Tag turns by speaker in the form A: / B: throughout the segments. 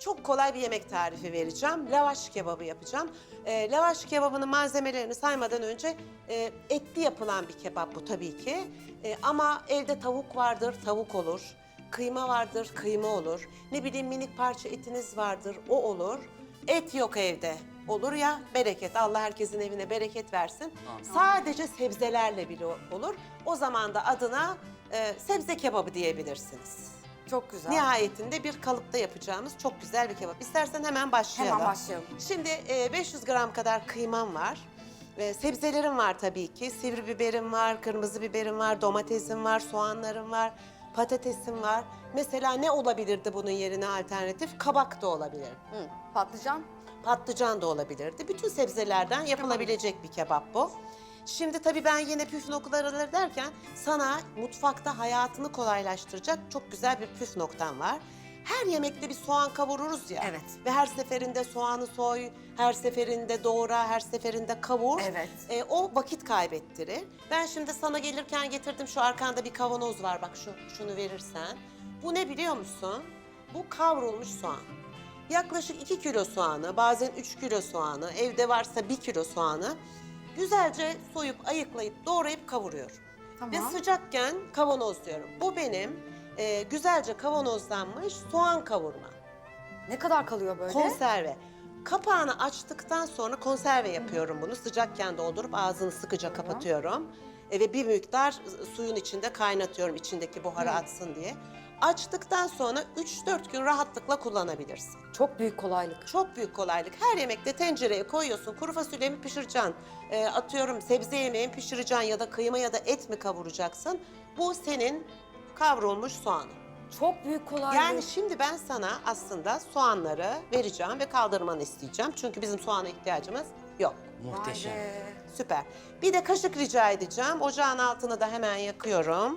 A: çok kolay bir yemek tarifi vereceğim. Lavaş kebabı yapacağım. Lavaş kebabının malzemelerini saymadan önce etli yapılan bir kebap bu tabii ki. Ama evde tavuk vardır, tavuk olur. Kıyma vardır, kıyma olur. Ne bileyim minik parça etiniz vardır, o olur. Et yok evde. Olur ya, bereket. Allah herkesin evine bereket versin. Sadece sebzelerle bile olur. O zaman da adına sebze kebabı diyebilirsiniz.
B: Çok güzel.
A: Nihayetinde bir kalıpta yapacağımız çok güzel bir kebap. İstersen hemen başlayalım.
B: Hemen başlayalım.
A: Şimdi 500 gram kadar kıymam var. Sebzelerim var tabii ki. Sivri biberim var, kırmızı biberim var, domatesim var, soğanlarım var, patatesim var. Mesela ne olabilirdi bunun yerine alternatif? Kabak da olabilir.
B: Hı, patlıcan.
A: Patlıcan da olabilirdi. Bütün sebzelerden yapılabilecek bir kebap bu. Şimdi tabii ben yine püf noktaları derken sana mutfakta hayatını kolaylaştıracak çok güzel bir püf noktam var. Her yemekte bir soğan kavururuz ya.
B: Evet.
A: Ve her seferinde soğanı soy, her seferinde doğra, her seferinde kavur.
B: Evet.
A: O vakit kaybettirir. Ben şimdi sana gelirken getirdim, şu arkanda bir kavanoz var, bak şunu verirsen. Bu ne biliyor musun? Bu kavrulmuş soğan. Yaklaşık 2 kilo soğanı, bazen 3 kilo soğanı, evde varsa 1 kilo soğanı güzelce soyup, ayıklayıp, doğrayıp kavuruyorum.
B: Tamam.
A: Ve sıcakken kavanozluyorum. Bu benim güzelce kavanozlanmış soğan kavurma.
B: Ne kadar kalıyor böyle?
A: Konserve. Kapağını açtıktan sonra konserve yapıyorum bunu. Sıcakken doldurup ağzını sıkıca kapatıyorum. Ve bir miktar suyun içinde kaynatıyorum, içindeki buharı atsın diye. Açtıktan sonra 3-4 gün rahatlıkla kullanabilirsin.
B: Çok büyük kolaylık.
A: Çok büyük kolaylık. Her yemekte tencereye koyuyorsun. Kuru fasulye mi pişireceksin? Atıyorum sebze yemeği mi pişireceksin ya da kıyma ya da et mi kavuracaksın? Bu senin kavrulmuş soğanın.
B: Çok büyük kolaylık.
A: Yani şimdi ben sana aslında soğanları vereceğim ve kaldırmanı isteyeceğim. Çünkü bizim soğana ihtiyacımız yok.
C: Muhteşem.
B: Vay be.
A: Süper. Bir de kaşık rica edeceğim. Ocağın altını da hemen yakıyorum.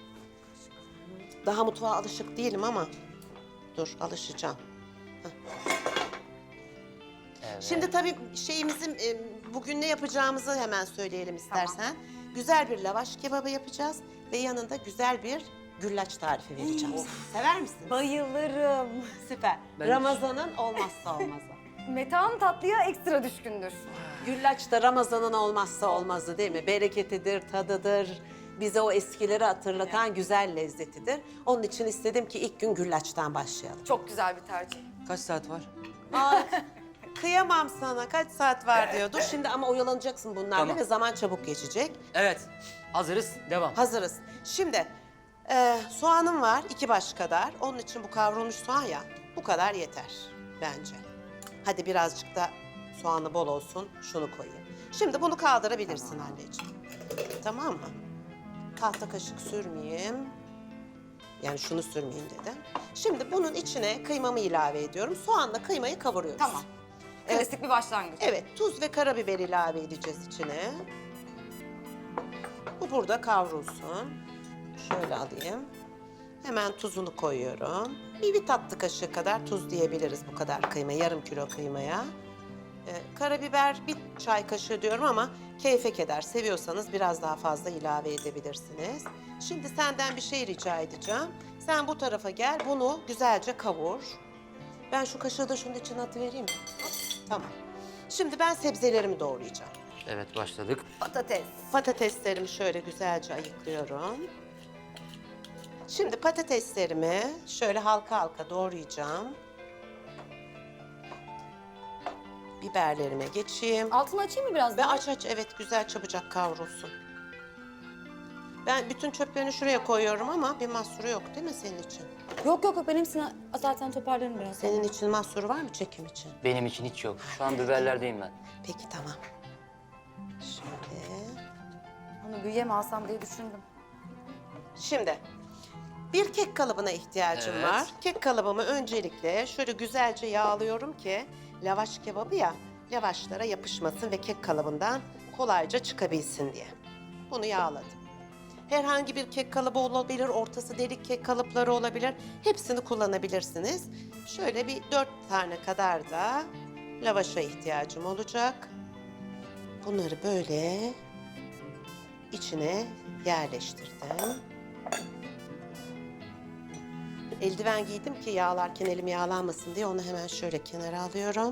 A: Daha mutfağa alışık değilim ama dur, alışacağım.
C: Evet.
A: Şimdi tabii şeyimizin bugün ne yapacağımızı hemen söyleyelim istersen. Güzel bir lavaş kebabı yapacağız ve yanında güzel bir güllaç tarifi vereceğim. Sever misin?
B: Bayılırım.
A: Süper.
C: Ben-
A: Ramazan'ın olmazsa olmazı.
B: Metehan tatlıya ekstra düşkündür.
A: Güllaç da Ramazan'ın olmazsa olmazı değil mi? Bereketidir, tadıdır. Bize o eskileri hatırlatan güzel lezzetidir. Onun için istedim ki ilk gün güllaçtan başlayalım.
B: Çok güzel bir tercih.
C: Kaç saat var?
A: Ay, kıyamam sana. Kaç saat var diyor. Dur şimdi ama oyalanacaksın bunlarla
C: Tamam.
A: ve zaman çabuk geçecek.
C: Evet. Hazırız. Devam.
A: Hazırız. Şimdi soğanım var 2 baş kadar. Onun için bu kavrulmuş soğan ya, bu kadar yeter bence. Hadi birazcık da soğanı bol olsun. Şunu koyayım. Şimdi bunu kaldırabilirsin anneciğim. Tamam mı? Tahta kaşık sürmeyeyim. Yani şunu sürmeyeyim dedim. Şimdi bunun içine kıymamı ilave ediyorum. Soğanla kıymayı kavuruyoruz.
B: Tamam. Klasik bir başlangıç.
A: Evet, tuz ve karabiber ilave edeceğiz içine. Bu burada kavrulsun. Şöyle alayım. Hemen tuzunu koyuyorum. Bir tatlı kaşığı kadar tuz diyebiliriz bu kadar kıyma, yarım kilo kıymaya. Karabiber 1 çay kaşığı diyorum ama keyfe keder. Seviyorsanız biraz daha fazla ilave edebilirsiniz. Şimdi senden bir şey rica edeceğim. Sen bu tarafa gel, bunu güzelce kavur. Ben şu kaşığı da şunun içine atıvereyim mi? Tamam. Şimdi ben sebzelerimi doğrayacağım.
C: Evet, başladık.
B: Patates.
A: Patateslerimi şöyle güzelce ayıklıyorum. Şimdi patateslerimi şöyle halka halka doğrayacağım. Biberlerime geçeyim.
B: Altını açayım mı biraz
A: Ve
B: daha?
A: aç evet, güzel çabucak kavrulsun. Ben bütün çöplerini şuraya koyuyorum ama bir mahsuru yok değil mi senin için?
B: Yok yok yok, benim zaten toparlarım biraz.
A: Senin için mahsuru var mı çekim için?
C: Benim için hiç yok. Şu an biberlerdeyim ben.
A: Peki tamam. Şöyle.
B: Onu büyüye mi alsam diye düşündüm.
A: Şimdi bir kek kalıbına ihtiyacım
C: Evet.
A: var. Kek kalıbımı öncelikle şöyle güzelce yağlıyorum ki lavaş kebabı ya, lavaşlara yapışmasın ve kek kalıbından kolayca çıkabilsin diye. Bunu yağladım. Herhangi bir kek kalıbı olabilir, ortası delik kek kalıpları olabilir. Hepsini kullanabilirsiniz. Şöyle bir 4 tane kadar da lavaşa ihtiyacım olacak. Bunları böyle içine yerleştirdim. Eldiven giydim ki yağlarken elim yağlanmasın diye onu hemen şöyle kenara alıyorum.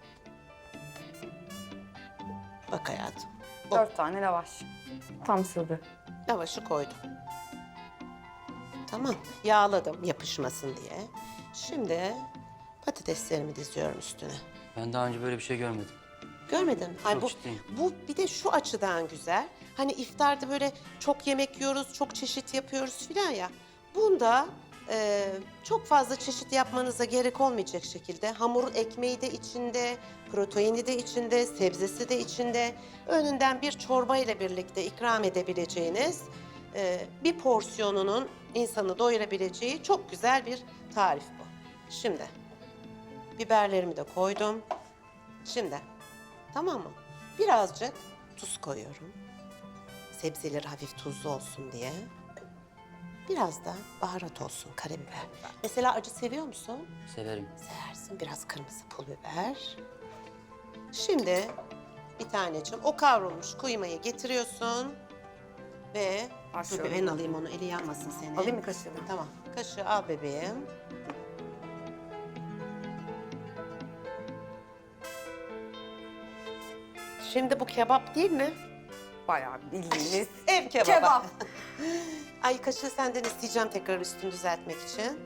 A: Bak hayatım.
B: 4 tane lavaş. Tam sığdı.
A: Lavaşı koydum. Tamam. Yağladım yapışmasın diye. Şimdi patateslerimi diziyorum üstüne.
C: Ben daha önce böyle bir şey görmedim.
A: Görmedin mi? Ay
C: Çok
A: bu,
C: ciddiyim.
A: bu bir de şu açıdan güzel. Hani iftarda böyle çok yemek yiyoruz, çok çeşit yapıyoruz filan ya. Bunda çok fazla çeşit yapmanıza gerek olmayacak şekilde hamur ekmeği de içinde, proteini de içinde, sebzesi de içinde. Önünden bir çorba ile birlikte ikram edebileceğiniz bir porsiyonunun insanı doyurabileceği çok güzel bir tarif bu. Şimdi biberlerimi de koydum. Şimdi tamam mı? Birazcık tuz koyuyorum. Sebzeleri hafif tuzlu olsun diye. Biraz da baharat olsun, karabiber. Mesela acı seviyor musun?
C: Severim.
A: Seversin. Biraz kırmızı pul biber. Şimdi bir taneciğim o kavrulmuş kuymayı getiriyorsun. Ve dur
B: Başlıyorum.
A: bebeğin alayım onu, eli yanmasın senin.
B: Alayım mı kaşığı?
A: Tamam. Kaşığı al bebeğim. Şimdi bu kebap değil mi?
B: Bayağı bildiğiniz.
A: Ev kebabı.
B: Kebap.
A: Ay kaşığı senden isteyeceğim tekrar üstünü düzeltmek için.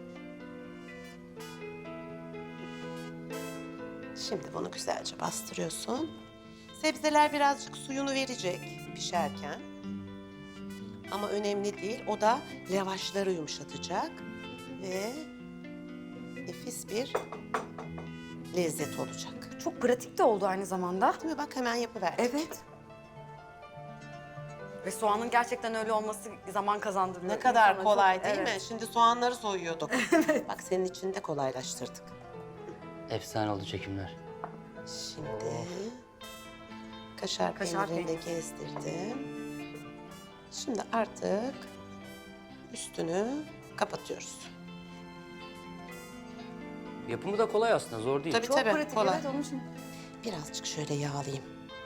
A: Şimdi bunu güzelce bastırıyorsun. Sebzeler birazcık suyunu verecek pişerken. Ama önemli değil. O da lavaşları yumuşatacak. Ve nefis bir lezzet olacak.
B: Çok pratik de oldu aynı zamanda.
A: Değil mi? Bak hemen yapıverdik.
B: Evet. Ve soğanın gerçekten öyle olması zaman kazandırıyor.
A: Ne kadar
B: İnsana
A: kolay
B: çok-
A: değil
B: evet.
A: mi? Şimdi soğanları soyuyorduk. Bak senin için de kolaylaştırdık.
C: Efsane oldu çekimler.
A: Şimdi kaşar
B: Kaşar
A: peynirini de
B: peyniri.
A: gezdirdim. Şimdi artık üstünü kapatıyoruz.
C: Yapımı da kolay aslında, zor değil.
A: Tabii
B: Çok
A: tabii
B: pratik,
A: kolay.
B: evet onun için.
A: Birazcık şöyle yağlayayım.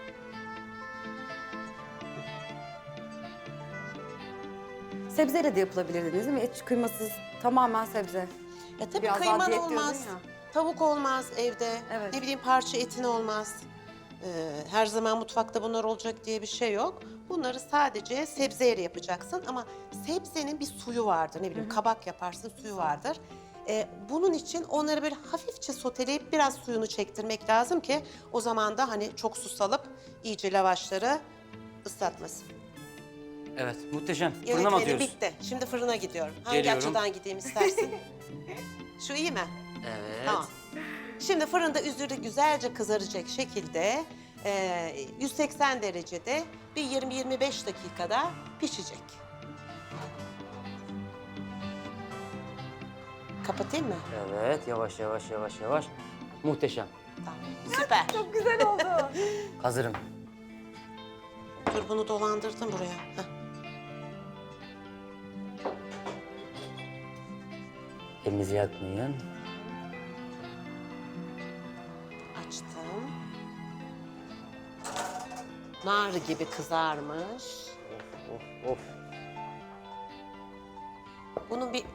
B: Sebzeyle de yapılabilir dediniz değil mi? Et kıymasız, tamamen sebze.
A: Ya tabii
B: Biraz daha
A: kıyman
B: diyet diyordun
A: olmaz.
B: ya.
A: Tavuk olmaz evde.
B: Evet.
A: Ne bileyim parça etin olmaz. Her zaman mutfakta bunlar olacak diye bir şey yok. Bunları sadece sebzeyle yapacaksın ama sebzenin bir suyu vardır. Ne bileyim kabak yaparsın suyu vardır. Bunun için onları böyle hafifçe soteleyip biraz suyunu çektirmek lazım ki o zaman da hani çok su salıp iyice lavaşları ıslatmasın.
C: Evet, muhteşem. Fırına mı
A: Yönetmenim
C: atıyoruz?
A: bitti. Şimdi fırına gidiyorum. Hangi
C: Geliyorum.
A: açıdan gideyim istersin? Şu iyi mi?
C: Evet.
A: Tamam. Şimdi fırında üzeri güzelce kızaracak şekilde 180 derecede bir 20-25 dakikada pişecek. Kapatayım mı?
C: Evet, yavaş yavaş yavaş yavaş. Muhteşem.
A: Tamam. Süper.
B: Çok güzel oldu.
C: Hazırım.
A: Dur bunu dolandırdım buraya. Heh.
C: Elinizi yakmayın.
A: Açtım. Nar gibi kızarmış.
C: Of of.
A: Bunun bir... Heh.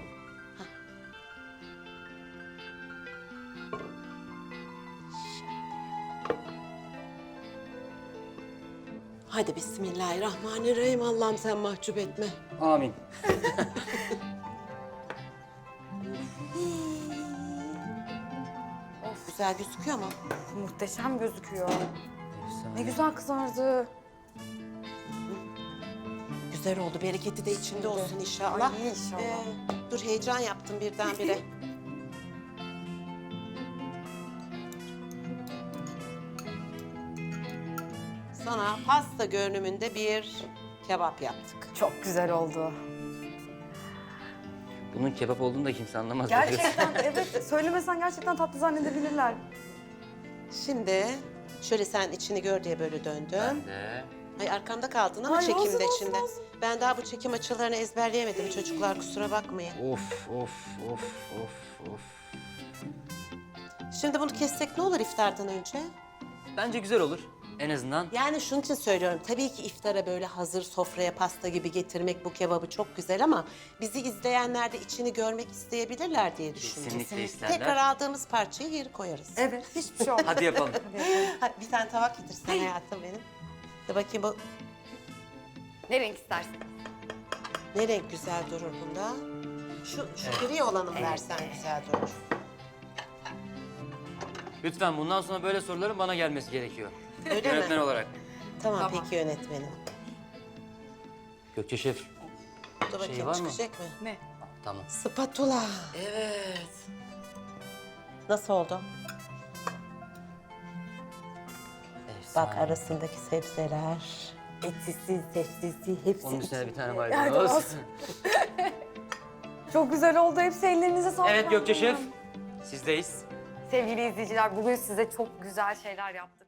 A: Hadi bismillahirrahmanirrahim. Allah'ım sen mahcup etme.
C: Amin.
A: Güzel gözüküyor mu?
B: Muhteşem gözüküyor.
C: Efsane.
B: Ne güzel kızardı.
A: Güzel oldu. Bereketi de içinde olsun inşallah.
B: Ay, inşallah.
A: Dur heyecan yaptım birdenbire. Sana pasta görünümünde bir kebap yaptık.
B: Çok güzel oldu.
C: Bunun kebap olduğunu da kimse anlamaz.
B: Gerçekten evet. Söylemesen gerçekten tatlı zannedebilirler.
A: Şimdi şöyle sen içini gör diye böyle
C: Ben
A: döndüm.
C: de.
A: Ay arkamda kaldın ama
B: Ay,
A: çekimde
B: olsun, olsun,
A: şimdi.
B: olsun.
A: Ben daha bu çekim açılarını ezberleyemedim çocuklar kusura bakmayın.
C: Of of of of of.
A: Şimdi bunu kessek ne olur iftardan önce?
C: Bence güzel olur. En azından
A: Yani şunun için söylüyorum. Tabii ki iftara böyle hazır sofraya pasta gibi getirmek bu kebabı çok güzel ama bizi izleyenler de içini görmek isteyebilirler diye düşündüm.
C: kesinlikle isterler.
A: Tekrar aldığımız parçayı geri koyarız.
B: Evet, hiçbir şey olmaz.
C: Hadi yapalım.
A: Hadi bir tane tabak getirsen hayatım benim. De bakayım bu
B: Ne renk istersin?
A: ne renk güzel durur bunda. Şu gri olanı mı versen güzel durur.
C: Lütfen bundan sonra böyle soruların bana gelmesi gerekiyor.
A: Öyle
C: Yönetmen
A: mi?
C: olarak.
A: Tamam, peki yönetmenim.
C: Gökçe Şef.
A: Dur bakayım
C: Şey var mı?
A: çıkacak mı?
B: Ne?
C: Tamam.
A: Spatula.
C: Evet.
A: Nasıl oldu?
C: Efsane.
A: Bak arasındaki sebzeler. Etsiz, sebzesi hepsi.
C: Onun üstüne bir tane
B: Nerede
C: maydanoz.
B: olsun? Çok güzel oldu. Hepsi ellerinize sağlık.
C: Evet Gökçe Şef. Sizdeyiz.
B: Sevgili izleyiciler, bugün size çok güzel şeyler yaptık.